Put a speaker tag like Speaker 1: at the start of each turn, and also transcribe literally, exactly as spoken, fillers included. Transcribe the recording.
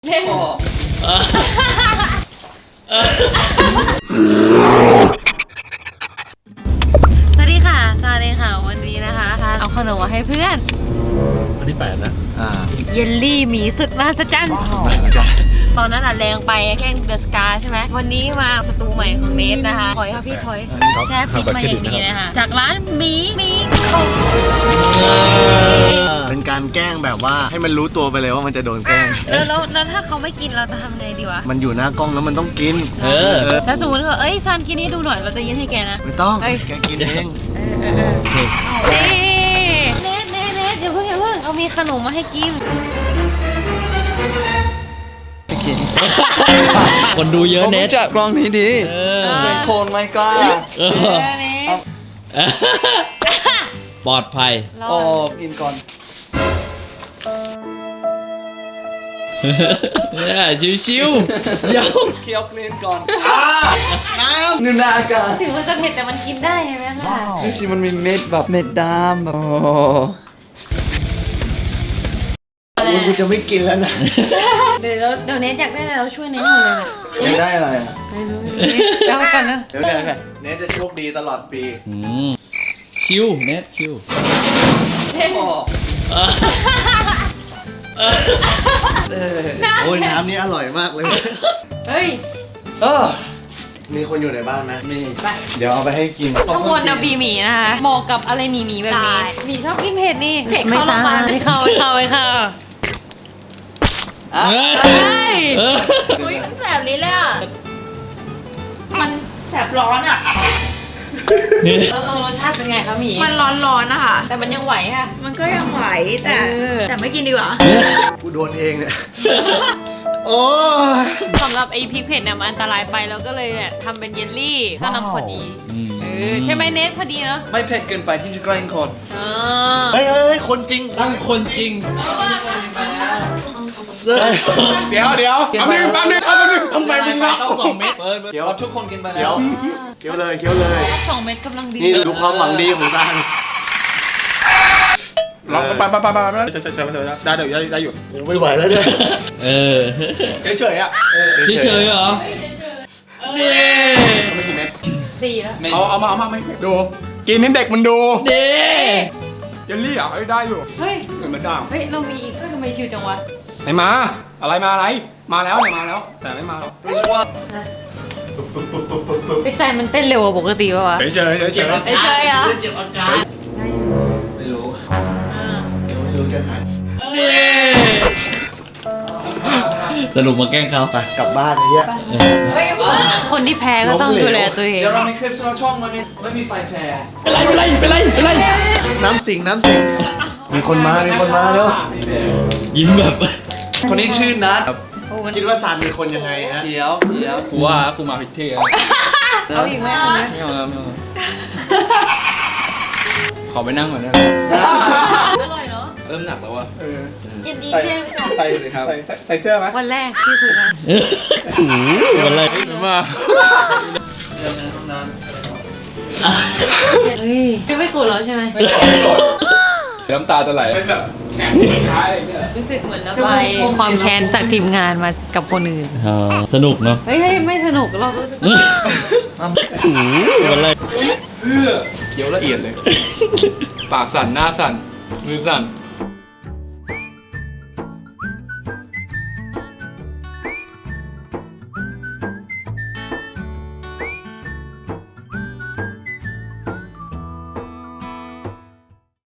Speaker 1: เล่นสวัสดีค่ะซาเลยค่ะวันนี้นะคะเอาขนมมาให้เพื่อน
Speaker 2: วันที่แปดนะ
Speaker 3: อ่า
Speaker 1: เยลลี่หมีสุดมหัศจรรย์ตอนนั้นอ่ะแรงไปแกล้งเดอะสกาใช่ไหมวันนี้มาสตูใหม่ของเนทนะคะถอยค่ะพี่ถอยแช่ฟิตมาอย่างนี้นะคะจากร้านหมีหมี
Speaker 3: เป็นการแกล้งแบบว่าให้มันรู้ตัวไปเลยว่ามันจะโดนแกล้ง
Speaker 1: แล้วแล้วแล้วถ้าเขาไม่กินเราจะทำไงดีวะ
Speaker 3: มันอยู่หน้ากล้องแล้วมันต้องกิน
Speaker 2: เออ
Speaker 1: แล้วสมมติว่าเอ้ยซันกินให้ดูหน่อยเราจะยินให้แกนะ
Speaker 3: ไม่ต้องแกกินเอง
Speaker 1: เออเออเออเนทเนทเนทอย่าเพิ่งอย่าเพิ่งเอามีขนมมาให้กิน
Speaker 2: คนดูเยอะเน็ต
Speaker 3: จับกล้องนี้ดีเป็นโคนไม่กล้า
Speaker 2: ปลอดภัย
Speaker 3: โอ้กินก่อน
Speaker 2: เนี่ยชิวๆเดี๋ยว
Speaker 3: เคี้ยวกลืนก่อนน้ำนึ่งหน้าอากาศ
Speaker 1: ถึงมันจะเผ็ดแต่มันกินได้ใช่ไหมคะ
Speaker 3: นี่สิมันมีเม็ดแบบเม็ดดำแบบโอ้กูจะไม่กินแล้วนะ
Speaker 1: เดี๋ยวเดี๋ยวเนทอยากได้อะไรเราช่วยเนทหมดเลยนะ
Speaker 3: อยากได้อะไรอ่ะ
Speaker 1: ไม่รู้เดี๋ยวกันนะ
Speaker 3: เดี๋ยวกันเนทจะโชคดีตลอดปี
Speaker 2: ชิวเน็ตชิว
Speaker 3: โอ้ยน้ำนี้อร่อยมากเลย
Speaker 1: เฮ้ย
Speaker 3: เออมีคนอยู่ในบ้านไหมมีเดี๋ยวเอาไปให้กิน
Speaker 1: ข้างบนนะบีหมีนะคะเหมาะกับอะไรหมีหมีแบบนี้หมีชอบกินเผ็ดนี่เผ็ดไม่ตายไม่เข้าไม่เข้าไม่เข้า
Speaker 4: เฮ้ยอุ้ยมันแสบนี้เลยอ่ะมันแสบร้อนอ่ะ
Speaker 1: แล้วรสชาติเป็นไงคะหมี
Speaker 4: มันร้อนๆนะคะ
Speaker 1: แต่มันยังไหวค่ะ
Speaker 4: มันก็ยังไหวแต่แต่ไม่กินดีกว่า
Speaker 3: กูโดนเองเนี่ยโอ้
Speaker 1: สำหรับไอ้พริกเผ็ดเนี่ยมันอันตรายไปแล้วก็เลยเนี่ยทำเป็นเยลลี่ก็นำพอดีเออใช่ไหมเนทพอดีเนาะ
Speaker 3: ไม่เผ็ดเกินไปที่จะแกล้งคนเฮ้ยเฮ้ยคนจริง
Speaker 2: ตั้งคนจริง
Speaker 5: เดี๋ยวเดี๋ยวแป๊บนึงแป๊บนึงแป๊บนึงทำไมมึงนับ
Speaker 2: ต้องสองเม็ด
Speaker 3: เดี๋ยวทุกคนกินไปแล้วเคี้ยวเลยเคี้ยวเลย
Speaker 1: สองเม็ดกำลังดี
Speaker 3: นี่ดูความหวังดีของการ
Speaker 5: ลองไปไปไปไปไปใช่ใช่ใช่ได้เดี๋ยวได้อยู่
Speaker 3: ไม่ไหวแล้วเนี่ย
Speaker 2: เออ
Speaker 5: เฉยๆอ่ะ
Speaker 2: เฉยๆเหรอ
Speaker 5: ไม่กินเม็ด
Speaker 1: สี่แล้ว
Speaker 5: เอาเอามาเอามาไม่ดูกินให้เด็กมันดู
Speaker 2: เด้
Speaker 5: เยลลี่อ่ะได้อยู่
Speaker 1: เฮ้ย
Speaker 5: เหมือนมันด่าง
Speaker 1: เฮ้ยเรามีอีกทำไมชิวจังวะ
Speaker 5: ไหนมาอะไรมาอะไรมาแล้วเนี่ยมาแล้วแต่ไม่มาหรอก
Speaker 3: รู้สึกว่า
Speaker 1: ใจมันเต้นเร็วกว่าปกติป่ะวะ
Speaker 5: เฉยเฉยเฉยเฉย
Speaker 1: เฉยเหรอ
Speaker 3: เจ็บอาการไม่รู้ไม่รู้แค่ใคร
Speaker 2: สรุปมาแกล้งเขา
Speaker 3: ไปกลับบ้านไอ้เหี้ย
Speaker 1: คนที่แพ้ก็ต้องดูแลตัวเอง
Speaker 3: เดี๋ยวเรามีคลิปช่องมันไม่มีไฟแพ้
Speaker 2: เป็นไรเป็นไรเป็นไรเป็นไร
Speaker 3: น้ำสิงน้ำสิงมีคนมามีคนมาแล้ว
Speaker 2: ยิ้มแบบ
Speaker 3: คนนี้ชื่อนัทคิดว่าซันเป็นคนยังไงฮะ
Speaker 5: เดี๋ยวเดี๋ยวกูว่ากูมาผิดที่
Speaker 1: เอาอีกไหม
Speaker 5: ไม่เอาแล้วไม่เอาขอไปนั่งก่อนนะ
Speaker 1: อร่อยเนาะ
Speaker 5: เริ่มหนักแล้วว่ะ
Speaker 1: ยินดีเพื่อน
Speaker 5: ใส่เลยครับใส่ใส่เสื้อไหม
Speaker 1: วันแรกที่คุยกัน
Speaker 2: วันแรก
Speaker 5: มา
Speaker 3: เดินในห้องน้ำ
Speaker 1: เฮ้ยจะไม่โกรธแล้วใช่ไหม
Speaker 5: ไม่โกรธน้ำตาจะไหลเป็นแบบแข็งท้ายอะไรเงี้ย
Speaker 1: รู้สึกเหมือนระบายความแค้นจากทีมงานมากับคนอื่น
Speaker 2: สนุกเนาะ
Speaker 1: เฮ้ยไม่สนุกเรารู้สึก
Speaker 2: วันแรก
Speaker 5: เคี้ยวละเอียดเลยปากสั่นหน้าสั่นมือสั่น